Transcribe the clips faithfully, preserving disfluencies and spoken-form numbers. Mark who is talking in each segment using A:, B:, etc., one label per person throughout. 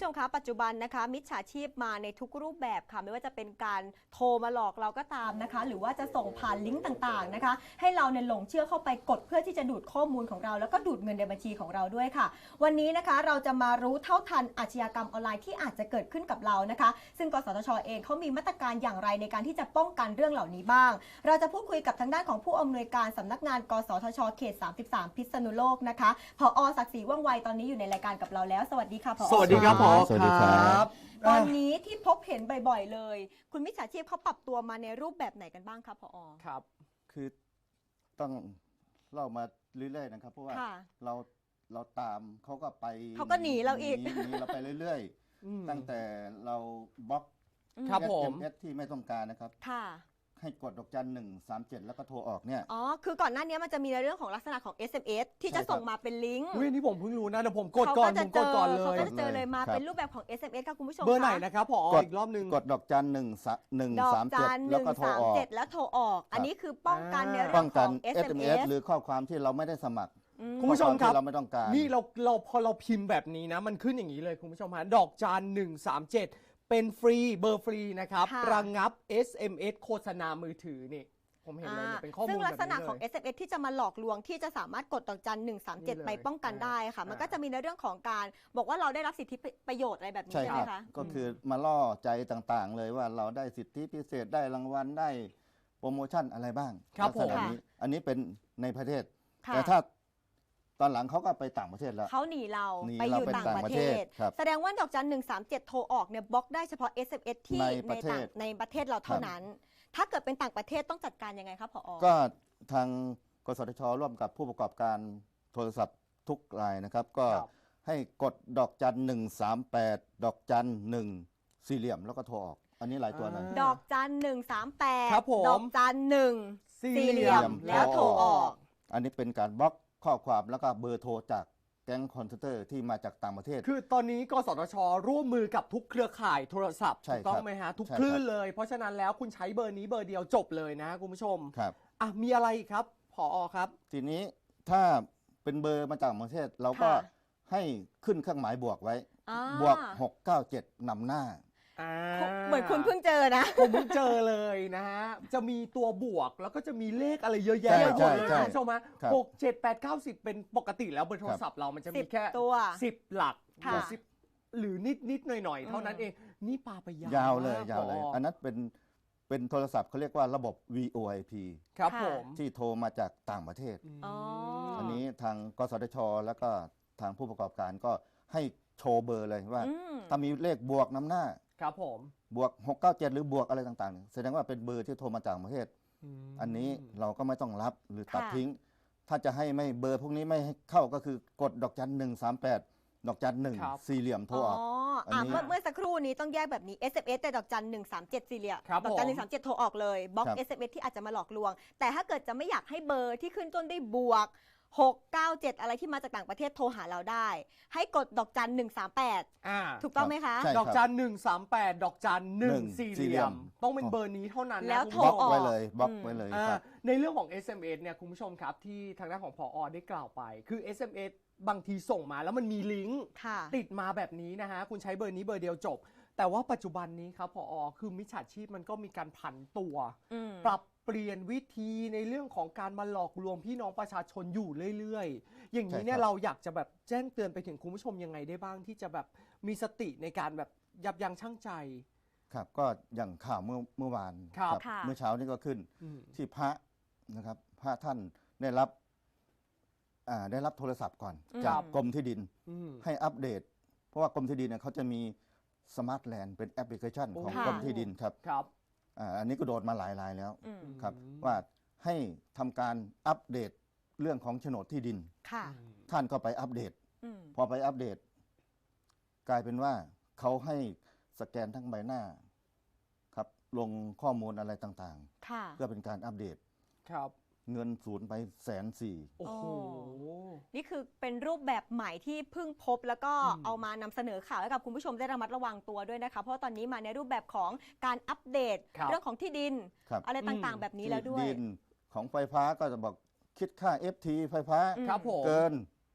A: มคะปัจจุบันนะคะมิจฉาชีพมาในทุกรูปแบบค่ะไม่ว่าจะเป็นการโทรมาหลอกเราก็ตามนะคะหรือว่าจะส่งผ่านลิงก์ต่างๆนะคะให้เราเนี่ยหลงเชื่อเข้าไปกดเพื่อที่จะดูดข้อมูลของเราแล้วก็ดูดเงินในบัญชีของเราด้วยค่ะวันนี้นะคะเราจะมารู้เท่าทันอาชญากรรมออนไลน์ที่อาจจะเกิดขึ้นกับเรานะคะซึ่งกสทช.เองเขามีมาตรการอย่างไรในการที่จะป้องกันเรื่องเหล่านี้บ้างเราจะพูดคุยกับทางด้านของผู้อำนวยการสำนักงานกสทช.เขตสามสิบสามพิษณุโลกนะคะผอ.ศักดิ์ศรีว่องไวตอนนี้อยู่ในรายการกับเราแล้วสวัสดีค่ะผอ.
B: สวัสดีครับผอ.
C: สวัสดีครับ
A: ตอนนี้ที่พบเห็นบ่อยๆเลยคุณมิจฉาชีพเขาปรับตัวมาในรูปแบบไหนกันบ้างครับผอ.
B: ครับ
C: คือต้องเล่ามาเรื่อยๆนะครับเพราะว่าเราเราตามเขาก็ไป
A: เขาก็หนีเราอีก
C: หนีเราไปเรื่อยๆตั้งแต่เราบล็อก
B: ครับผม
C: เอส เอ็ม เอส ที่ไม่ต้องการนะครับ
A: ค่ะ
C: ให้กดดอกจันหนึ่งสามเจ็ดแล้วก็โทรออกเนี่ย
A: อ๋อคือก่อนหน้านี้มันจะมีในเรื่องของลักษณะของ เอส เอ็ม เอส ที่จะส่งมาเป็นลิงก์
B: อุ้ยนี่ผมเพิ่งรู้นะเดี๋ยวผมกดก่อนผมกดก่อนเลย
A: เขาก็จะเจอเลยมาเป็นรูปแบบของ เอส เอ็ม เอส ค่ะคุณผู้ชม
B: เบอร์ไหนนะครับผอ.อีกรอบนึง
C: กดดอกจันหนึ่งหนึ่งสามเจ็ด
A: ห
C: แล้ว
A: นึ่ง
C: ก็โทร
A: สาม
C: ออก
A: เจ็ดแล้วโทรออกอันนี้คือป้องกันในเรื่
C: ป้
A: อ
C: อง ง
A: ข
C: กั
A: อน ง
C: เอ
A: เอ
C: ส
A: ส
C: เอ็
A: เอ็
C: ม
A: ม
C: เอ
A: เอ
C: ส
A: ส
C: หรือข้อความที่เราไม่ได้สมัคร
B: คุณผู้ชมครับ
C: เราไม่ต้องการ
B: นี่เราเราพอเราพิมพ์แบบนี้นะมันขึ้นอย่างนี้เลยคุณผู้ชมฮะดอกจันหนึ่งสามเจ็ดเป็นฟรีเบอร์ฟรีนะครับระงับ เอส เอ็ม เอส โฆษณามือถือนี่ผมเห็นเลยเป็นข้อมูลแบบนี้เลยซึ่ง
A: ลักษณะของ เอส เอ็ม เอส ที่จะมาหลอกลวงที่จะสามารถกดดอกจันหนึ่งสามเจ็ดไปป้องกันได้ค่ะมันก็จะมีในเรื่องของการบอกว่าเราได้รับสิทธิประโยชน์อะไรแบบนี้ใช่ไหมคะ
C: ก็คือมาล่อใจต่างๆเลยว่าเราได้สิทธิพิเศษได้รางวัลได้โปรโมชั่นอะไรบ้าง
B: ครับผม
C: อันนี้เป็นในประเทศแต่ถ้าตอนหลังเขาก็ไปต่างประเทศแล้ว
A: เขาหนีเราไปอยู่ต่างประเทศแสดงว่าดอกจันหนึ่งสามเจ็ดโทรออกเนี่ยบล็อกได้เฉพาะ เอส เอ็ม เอส ที่ในต่างในประเทศเราเท่านั้นถ้าเกิดเป็นต่างประเทศต้องจัดการยังไงครับผอ.
C: ก็ทางกสทช.ร่วมกับผู้ประกอบการโทรศัพท์ทุกรายนะครับก็ให้กดดอกจันหนึ่งสามแปดดอกจันหนึ่งสี่เหลี่ยมแล้วก็โทรออกอันนี้หลายตัวนะ
A: ดอกจันหนึ่งสามแปด
B: ด
A: ดอกจันหนึ่งสี่เหลี่ยมแล้วโทรออก
C: อันนี้เป็นการบล็อกข้อความแล้วก็เบอร์โทรจากแก๊งคอนเทนเตอร์ที่มาจากต่างประเทศ
B: คือตอนนี้กสทช.ร่วมมือกับทุกเครือข่ายโทรศัพท์ถูกต้องไหมฮะทุกคลื่นเลยเพราะฉะนั้นแล้วคุณใช้เบอร์นี้เบอร์เดียวจบเลยนะคุณผู้ชม
C: ครับ
B: อ่ะมีอะไรครับผอ.ครับ
C: ทีนี้ถ้าเป็นเบอร์มาจากต่างประเทศเราก็ให้ขึ้นเครื่องหมายบวกไว้บวกหกเก้าเจ็ดนำหน้า
A: เหมือนคุณเพิ่งเจอนะ
B: ผมเพิ่งเจอเลยนะฮะจะมีตัวบวกแล้วก็จะมีเลขอะไรเยอะแยะ
C: เลยคุณ
B: ผู้ชมฮะหกเจ็ดแปดเก้าสิบเป็นปกติแล้วเบอร์โทรศัพท์เรามันจะมีแค่
A: ตัว
B: สิบหลักสิบหรือนิดนิดหน่อยหน่อยเท่านั้นเองนี่ปาไปยาวย
C: าวเลยยาวเลยอันนั้นเป็นเป็นโทรศัพท์เขาเรียกว่าระบบ วี โอ ไอ พี
B: ครับผม
C: ที่โทรมาจากต่างประเทศอันนี้ทางกสทช.แล้วก็ทางผู้ประกอบการก็ให้โชว์เบอร์เลยว่าถ้ามีเลขบวกนำหน้า
B: ครับผม
C: บวกหกเก้าเจ็ดหรือบวกอะไรต่างๆแสดงว่าเป็นเบอร์ที่โทรมาจากประเทศอันนี้เราก็ไม่ต้องรับหรือตัดทิ้งถ้าจะให้ไม่เบอร์พวกนี้ไม่ให้เข้าก็คือกดดอกจันหนึ่งสามแปดดอกจันหนึ่งสี่เหลี่ยมโทรออก
A: อ๋อเมื่อเมื่อสักครู่นี้ต้องแยกแบบนี้ เอส เอ็ม เอส แต่ดอกจันหนึ่งสามเจ็ดสี่เหลี่ยมดอกจันหนึ่งสามเจ็ดโทรออกเลยบล็อก เอส เอ็ม เอส ที่อาจจะมาหลอกลวงแต่ถ้าเกิดจะไม่อยากให้เบอร์ที่ขึ้นต้นด้วยบวกหกเก้าเจ็ดอะไรที่มาจากต่างประเทศโทรหาเราได้ให้กดดอกจันหนึ่งสามแปดถูกต้องไหมคะ
B: ดอกจันหนึ่งสามแปดดอกจันหนึ่งสี่เหลี่ยมต้องเป็นเบอร์นี้เท่านั้น
A: แล้วโทรออก
C: ไว้เลยบล็อกไว้เลยครับ
B: ในเรื่องของ เอส เอ็ม เอส เนี่ยคุณผู้ชมครับที่ทางด้านของผอ.ได้กล่าวไปคือ เอส เอ็ม เอส บางทีส่งมาแล้วมันมีลิงก์ติดมาแบบนี้นะฮะคุณใช้เบอร์นี้เบอร์เดียวจบแต่ว่าปัจจุบันนี้ครับผอ.คือมิจฉาชีพมันก็มีการผันตัวปรับเปลี่ยนวิธีในเรื่องของการมาหลอกลวงพี่น้องประชาชนอยู่เรื่อยๆอย่างนี้เนี่ยเราอยากจะแบบแจ้งเตือนไปถึงคุณผู้ชมยังไงได้บ้างที่จะแบบมีสติในการแบบยับยั้งชั่งใจ
C: ครับก็อย่างข่าวเมื่อเมื่อวาน
B: ครับ
C: เมื่อเช้านี้ก็ขึ้นที่พระนะครับพระท่านได้รับได้รับโทรศัพท์ก่อนจากกรมที่ดินให้อัปเดตเพราะว่ากรมที่ดินเนี่ยเขาจะมีสมาร์ทแลนด์เป็นแอปพลิเคชันของกรมที่ดินครับอันนี้ก็โดนมาหลายรายแล้วครับว่าให้ทำการอัปเดตเรื่องของโฉนดที่ดินท่านก็ไปอัปเดตพอไปอัปเดตกลายเป็นว่าเขาให้สแกนทั้งใบหน้าครับลงข้อมูลอะไรต่างๆเพื่อเป็นการอัปเดต
B: ครับ
C: เงินศูนย์ไปแสนสี่
B: โอ้โห
A: นี่คือเป็นรูปแบบใหม่ที่เพิ่งพบแล้วก็เอามานำเสนอข่าวให้กับคุณผู้ชมได้ระมัดระวังตัวด้วยนะคะเพราะตอนนี้มาในรูปแบบของการอัปเดตเรื่องของที่ดินอะไรต่างๆแบบนี้แล้วด้วย
C: ดินของไฟฟ้าก็จะบอกคิดค่า เอฟ ที ไฟฟ้า
B: เกิ
C: น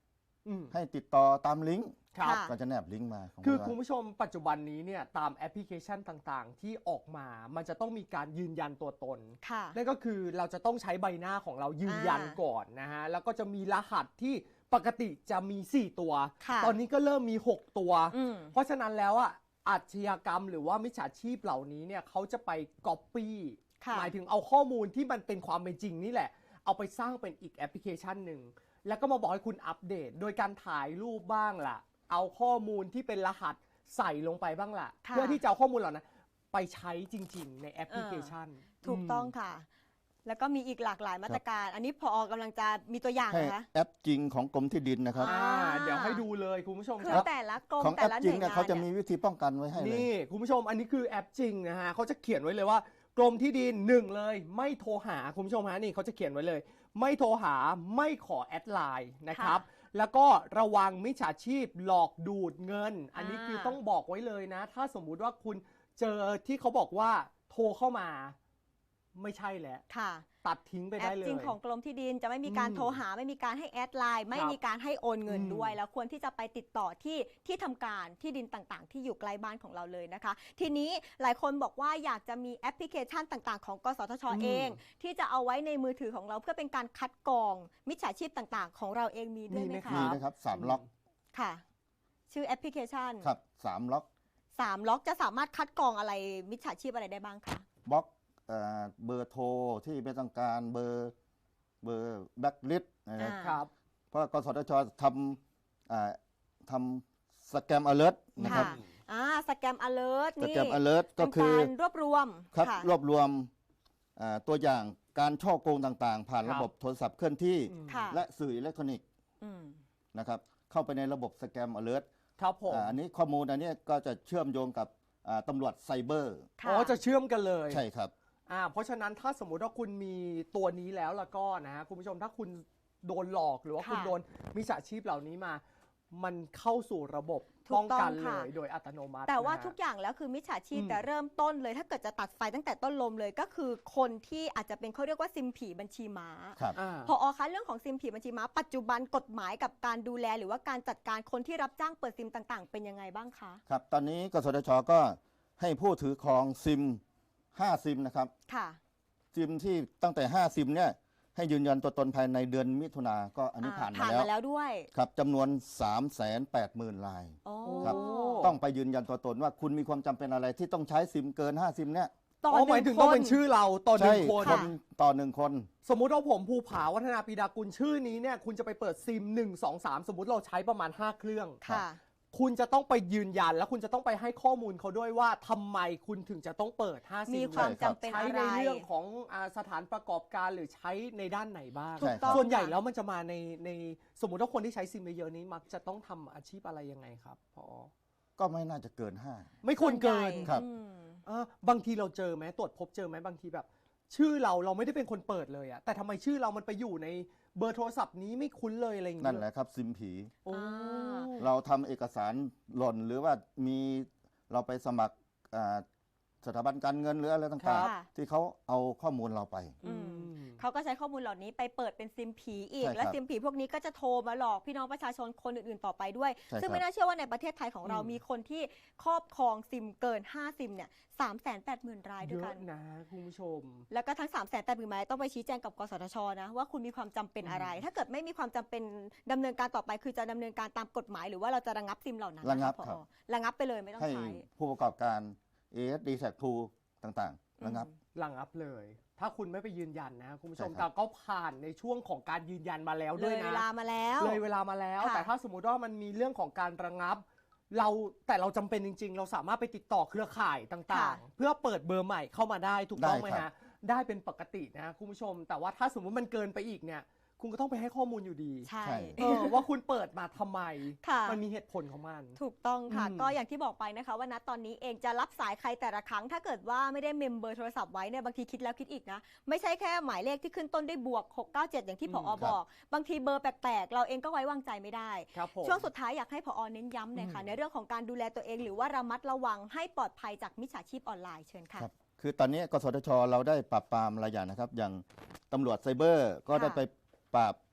B: อืม
C: ให้ติดต่อตามลิงก์
B: ครับ
A: ค่ะ
C: ก็จะแนบลิงก์มาของ
B: คือ
C: เรา
B: คุณผู้ชมปัจจุบันนี้เนี่ยตามแอปพลิเคชันต่างๆ ที่ออกมา มันจะต้องมีการยืนยันตัวตน
A: ค่ะ
B: นั่นก็คือเราจะต้องใช้ใบหน้าของเรายืนยัน
A: อ่า
B: ก่อนนะฮะ แล้วก็จะมีรหัสที่ปกติจะมี สี่ ตัว
A: ค่ะ
B: ตอนนี้ก็เริ่มมี หก ตัว
A: อืม
B: เพราะฉะนั้นแล้วอ่ะอาชญากรรมหรือว่ามิจฉาชีพเหล่านี้เนี่ยเขาจะไปก๊อปปี้
A: ค่ะ
B: หมายถึงเอาข้อมูลที่มันเป็นความเป็นจริงนี่แหละ เอาไปสร้างเป็นอีกแอปพลิเคชันหนึ่ง แล้วก็มาบอกให้คุณอัปเดต โดยการถ่ายรูปบ้างล่ะ เอาข้อมูลที่เป็นรหัสใส่ลงไปบ้างล่ะ
A: ค่ะ
B: เพื่อที่จะเอาข้อมูลเหล่านั้นไปใช้จริง ๆ ในแอปพลิเคชัน
A: ถูกต้องค่ะ แล้วก็มีอีกหลากหลายมาตรการ อันนี้พอกำลังจะมีตัวอย่าง
C: ให้
A: นะคะ
C: แอปจริงของกรมที่ดินนะครับ
B: อ่าเดี๋ยวให้ดูเลยคุณผู้ชม
A: คื
B: ค
A: อ
B: รับ
A: แต่ละกรม
C: ของแอ
A: แต่
C: ป
A: ละห
C: จริ
A: น่
C: ง
A: วย
C: เนี่ย
A: งาน
C: เขาจะ
A: เนี่
C: มี
A: ย
C: วิธีป้องกันไว้ให้เลย
B: นี่คุณผู้ชมอันนี้คือแอปจริงนะฮะเขาจะเขียนไว้เลยว่ากรมที่ดินหนึ่งเลยไม่โทรหาคุณผู้ชมฮะนี่เขาจะเขียนไว้เลย ไม่โทรหาไม่ขอแอดไลน์นะครับ แล้วก็ระวังมิจฉาชีพหลอกดูดเงิน อันนี้คือต้องบอกไว้เลยนะ ถ้าสมมุติว่าคุณเจอที่เขาบอกว่าโทรเข้ามาไม่ใช่แล้ว
A: ค่ะ
B: ตัดทิ้งไป
A: แอ
B: ได้
A: ป
B: เลย
A: จริงของกรมที่ดินจะไม่มีการ
B: อืม
A: โทรหาไม่มีการให้แอดไลน์ไม่
B: ครับ
A: มีการให้โอนเงิน
B: อืม
A: ด้วย แล้วควรที่จะไปติดต่อที่ที่ทำการที่ดินต่างๆ ที่อยู่ใกล้บ้านของเราเลยนะคะ ทีนี้หลายคนบอกว่าอยากจะมีแอปพลิเคชันต่างๆ ของกสทช
B: อืม
A: เอง ที่จะเอาไว้ในมือถือของเราเพื่อเป็นการคัดกรองมิจฉาชีพต่างๆ ของเราเองมีด้วยไหมคะ
C: มีนะครับสามล็อก
A: ค่ะ ชื่อแอปพลิเคชัน
C: ครับสามล็อก
A: สามล็อกจะสามารถคัดกรองอะไรมิจฉาชีพอะไรได้บ้างคะ
C: บล็อกเอ่อเบอร์โทรที่ไม่ต้องการเบอร์เบอร์แบ็กลิสต์นะครับ
A: อ่า
B: ครับ
C: เพราะกสทชทำอ่าทำสแกมอเลิร์ตนะครับ
A: ค่ะ อ่าสแกมอเลิร์ต
C: ส
A: นี่
C: แกมอเลิร์ตก็
A: เป็น
C: คือ
A: การรวบรวม
C: ครับ
A: ค่ะ
C: รวบรวมอ่าตัวอย่างการช่อโกงต่างๆ ผ่าน
B: ครับ
C: ระบบโทรศัพท์เคลื่อนที่
B: อืม
A: ค่ะ
C: และสื่ออิเล็กทรอนิกส์
A: อืม
C: นะครับเข้าไปในระบบสแกมอเลิร์ต
B: ครับผม
C: อันนี้ข้อมูลอันนี้ก็จะเชื่อมโยงกับอ่าตำรวจไซเบอร์
A: ค่ะ
B: อ๋อจะเชื่อมกันเลย
C: ใช่ครับ
B: อ่าเพราะฉะนั้นถ้าสมมุติว่าคุณมีตัวนี้แล้วแล้วก็นะฮะคุณผู้ชมถ้าคุณโดนหลอกหรือว่า
A: ค่ะ
B: คุณโดนมิจฉาชีพเหล่านี้มา มันเข้าสู่ระบบ
A: ถูก
B: ป้องกัน
A: ต้อง
B: เล
A: ค่ะ
B: ยโดยอัตโนมัติ
A: แต่ว่า
B: นะฮะ
A: ทุกอย่างแล้วคือมิจฉาชีพ
B: อืม
A: แต่เริ่มต้นเลย ถ้าเกิดจะตัดไฟตั้งแต่ต้นลมเลยก็คือคนที่อาจจะเป็นเขาเรียกว่าซิมผีบัญชีม้า
C: ครับ
B: อ่า
A: พออคะเรื่องของซิมผีบัญชีม้าปัจจุบันกฎหมายกับการดูแลหรือว่าการจัดการคนที่รับจ้างเปิดซิมต่างๆ เป็นยังไงบ้างคะ
C: ครับ ตอนนี้กสทชก็ให้ผู้ถือครองซิมห้าซิมนะครับ
A: ค่ะ
C: ซิมที่ตั้งแต่ห้าซิมเนี่ยให้ยืนยันตัวตนภายในเดือนมิถุนาก็อันนี้
A: อ่า
C: ผ่านมา
A: ผ่าน
C: แล้ว
A: มาแล้วด้วย
C: ครับจำนวน สามแสนแปดหมื่น ราย
A: โอ้
C: ครับ ต้องไปยืนยันตัวตนว่าคุณมีความจำเป็นอะไรที่ต้องใช้ซิมเกินห้าซิมเนี่ย
A: ต่อ
B: อ๋อ
A: ห
B: หมาย
A: นึ่
B: ถึ
A: ง
B: ง
A: ค
B: ต้อง
A: น
B: เป็นชื่อเราต่อห
C: ใช่
B: นึ่งคน
C: คนต่อหนึ่งคน
B: สมมุติว่าผมภูผาวัฒนาปีดากุลชื่อนี้เนี่ยคุณจะไปเปิดซิมหนึ่ง สอง สามสมมุติเราใช้ประมาณห้าเครื่อง
A: ค่ะ
B: คุณจะต้องไปยืนยันแล้วคุณจะต้องไปให้ข้อมูลเขาด้วยว่าทำไมคุณถึงจะต้องเปิดห้าซิม
A: มีความ
C: ใช่ครับ
A: จำเป็น
B: ใช้
A: อะไร
B: ในเรื่องของอาสถานประกอบการหรือใช้ในด้านไหนบ้าง
A: ถูกต้อง
B: ส่วนใหญ่
A: ค่ะ
B: แล้วมันจะมาในในสมมุติว่าคนที่ใช้ซิมเยอะๆนี้มักจะต้องทำอาชีพอะไรยังไงครับพอ
C: ก็ไม่น่าจะเกินห้า
B: ไม่ควรเกิน
A: ส่วนใหญ่
C: ครับ
A: อืม
B: เออบางทีเราเจอไหมตรวจพบเจอไหมบางทีแบบ ชื่อเราเราไม่ได้เป็นคนเปิดเลยอะแต่ทำไมชื่อเรามันไปอยู่ในเบอร์โทรศัพท์นี้ไม่คุ้นเลยอะไรอย่าง
C: นั่
B: เงี้
C: นแหละครับซิมผี
B: โอ้
A: อ่า
C: เราทำเอกสารหล่นหรือว่ามีเราไปสมัครอ่าสถาบันการเงินหรืออะไรต่าง
A: ค่ะ
C: ๆ ที่เขาเอาข้อมูลเราไป
A: อืม เขาก็ใช้ข้อมูลเหล่านี้ไปเปิดเป็นซิมผีอีก
C: ใช่ครับ
A: และซิมผีพวกนี้ก็จะโทรมาหลอกพี่น้องประชาชนคนอื่นๆต่อไปด้วย
C: ใช่
A: ซึ่ง
C: ครับ
A: ไม่น่าเชื่อว่าในประเทศไทยของเรา
B: อืม
A: มีคนที่ครอบครองซิมเกิน ห้า ซิมเนี่ยสามแสนแปดหมื่นรายด้
B: เย
A: วยกั
B: อะ
A: น
B: นะคุณผู้ชม
A: แล้วก็ทั้ง สามแสนแปดหมื่นรายต้องไปชี้แจงกับกสทชนะว่าคุณมีความจำเป็นอะไร ถ้าเกิดไม่มีความจำเป็นดำเนินการต่อไปคือจะดำเนินการตามกฎหมายหรือว่าเราจะระงับซิมเหล่านั้น
C: ระงับ
A: นค
C: ครับ
A: ผอระงับไปเลยไม่ต้อง
C: ให้
A: ใช้
C: ผู้ประกอบการ เอ เอส ดี แท็ก ทู ต่างๆระงับ
B: หลังอัพเลย ถ้าคุณไม่ไปยืนยันนะคุณผู้ชม
C: ใช่ครั
B: แต่
C: บ
B: ก็ผ่านในช่วงของการยืนยันมาแล้ว
A: เล
B: ด้วย
A: ยเว
B: นะ
A: ลามาแล้ว
B: เลยเวลามาแล้ว
A: ค่ะ
B: แต่ถ้าสมมุติว่ามันมีเรื่องของการระงับ เราแต่เราจำเป็นจริง ๆ เราสามารถไปติดต่อเครือข่ายต่างๆ เพื่อเปิดเบอร์ใหม่เข้ามาได้ถูกต้องไหม
C: ได้ครั
B: ฮะ
C: บ
B: ได้เป็นปกตินะคุณผู้ชม แต่ว่าถ้าสมมุติมันเกินไปอีกเนี่ย คุณก็ต้องไปให้ข้อมูลอยู่ดี
A: ใช่
C: ใช่
B: เออว่าคุณเปิดมาทำไม
A: ค่ะ
B: มันมีเหตุผลของมัน
A: ถูกต้องค่ะ
B: อืม
A: ก็อย่างที่บอกไปนะคะว่าณตอนนี้เองจะรับสายใครแต่ละครั้ง ถ้าเกิดว่าไม่ได้เมมเบอร์โทรศัพท์ไว้เนี่ยบางทีคิดแล้วคิดอีกนะ ไม่ใช่แค่หมายเลขที่ขึ้นต้นด้วยบวกหกเก้าเจ็ดอย่างที่ผอบอก บางทีเบอร์แปลกๆ เราเองก็ไว้วางใจไม่ได้
B: ครับผม
A: ช่วงสุดท้ายอยากให้ผอเน้นย้ำหน่อยค่ะ
B: อืม
A: ในเรื่องของการดูแลตัวเองหรือว่าระมัดระวังให้ปลอดภัยจากมิจฉาชีพออนไลน์เชิญค่ะ
C: ครับคือตอนนี้กสทช เราได้ปราบปรามหลายอย่างนะครับ อย่างตำรวจไซเบอร์ก็ได้
A: ค่ะ
C: ไปปราบ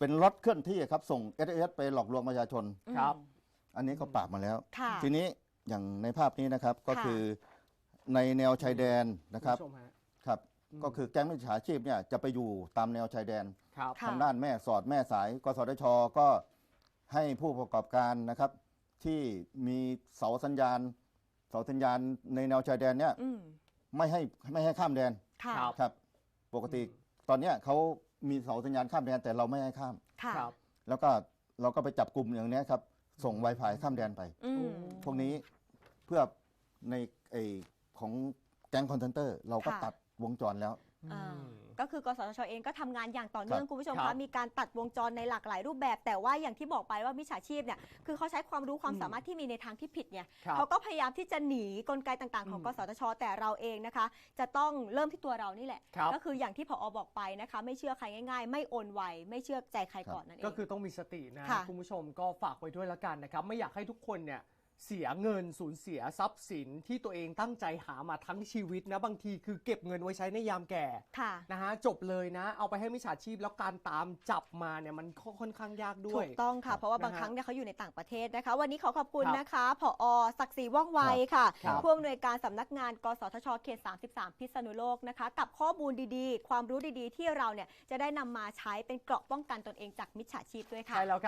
C: เป็นรถเคลื่อนที่ครับส่ง เอส เอ็ม เอส ไปหลอกลวงประชาชน
B: ครับ
C: อันนี้ก็ปราบมาแล้ว
A: ค่ะ
C: ทีนี้อย่างในภาพนี้นะครับก็
A: ค่ะ
C: คือในแนวชายแดนนะครับ
B: ณผู้ชมฮะ
C: ครับ
B: อืม
C: ก็คือแก๊งมิจฉาชีพเนี่ยจะไปอยู่ตามแนวชายแดน
B: ครับ
A: ค่ะ
C: ทางด้านแม่สอดแม่สายกสทชก็ให้ผู้ประกอบการนะครับ ที่มีเสาสัญญาณ เสาสัญญาณในแนวชายแดนเนี่ย
A: อืม
C: ไม่ให้ไม่ให้ข้ามแดน
A: ค่ะ
B: ครับ
C: ครับ ปกติตอนเนี้ยเขามีเสาสัญญาณข้ามแดนแต่เราไม่ให้ข้าม
A: ค่ะ
B: ครับ
C: แล้วก็เราก็ไปจับกลุ่มอย่างเนี้ยครับ ส่ง Wi-Fi ข้ามแดนไป
A: อืม
C: พวกนี้เพื่อในไอของแก๊งคอนเทนเตอร์ เราก็
A: ค่ะ
C: ตัดวงจรแล้ว
A: อ่าก็คือกสทชเองก็ทำงานอย่างต่อเนื่อง
C: ครับ
A: คุณผู้ชม
B: ครั
A: คะ
B: บ
A: มีการตัดวงจรในหลากหลายรูปแบบ แต่ว่าอย่างที่บอกไปว่ามิจฉาชีพเนี่ยคือเขาใช้ความรู้ความ
B: อืม
A: สามารถที่มีในทางที่ผิดไง
B: ครับ
A: เขาก็พยายามที่จะหนีกลไกต่างๆ ของ
B: อืม
A: กสทช แต่เราเองนะคะ จะต้องเริ่มที่ตัวเรานี่แหละ
B: ครับ
A: ก็คืออย่างที่ผอบอกไปนะคะ ไม่เชื่อใครง่ายๆ ไม่โอนไวไม่เชื่อใจใครก่อนนั่นเอง
B: ก็คือต้องมีสตินะ
A: ค่ะ
B: คุณผู้ชมก็ฝากไว้ด้วยละกันนะครับ ไม่อยากให้ทุกคนเนี่ยเสียเงินสูญเสียทรัพย์สินที่ตัวเองตั้งใจหามาทั้งชีวิตนะบางทีคือเก็บเงินไว้ใช้ในยามแก่
A: ค่ะ
B: นะฮะจบเลยนะ เอาไปให้มิจฉาชีพแล้วการตามจับมาเนี่ยมันค่อนข้างยากด้
A: ถู
B: วย
A: กต้องค่ะ เพราะว่าบาง
B: นะฮะ
A: ครั้งเนี่ยเขาอยู่ในต่างประเทศนะคะ วันนี้ขอขอบคุณ
B: ครับ
A: นะคะผอศักดิ์ศรีว่องไวค่ะ
B: ครับ
A: ผู้อำนวยการสำนักงานกสทชเขตสามสิบสามพิษณุโลกนะคะ กับข้อมูลดีๆ ความรู้ดีๆ ที่เราเนี่ยจะได้นำมาใช้เป็นเกราะป้องกันตนเองจากมิจฉาชีพด้วยค่ะ
B: ใช่แล้วครับ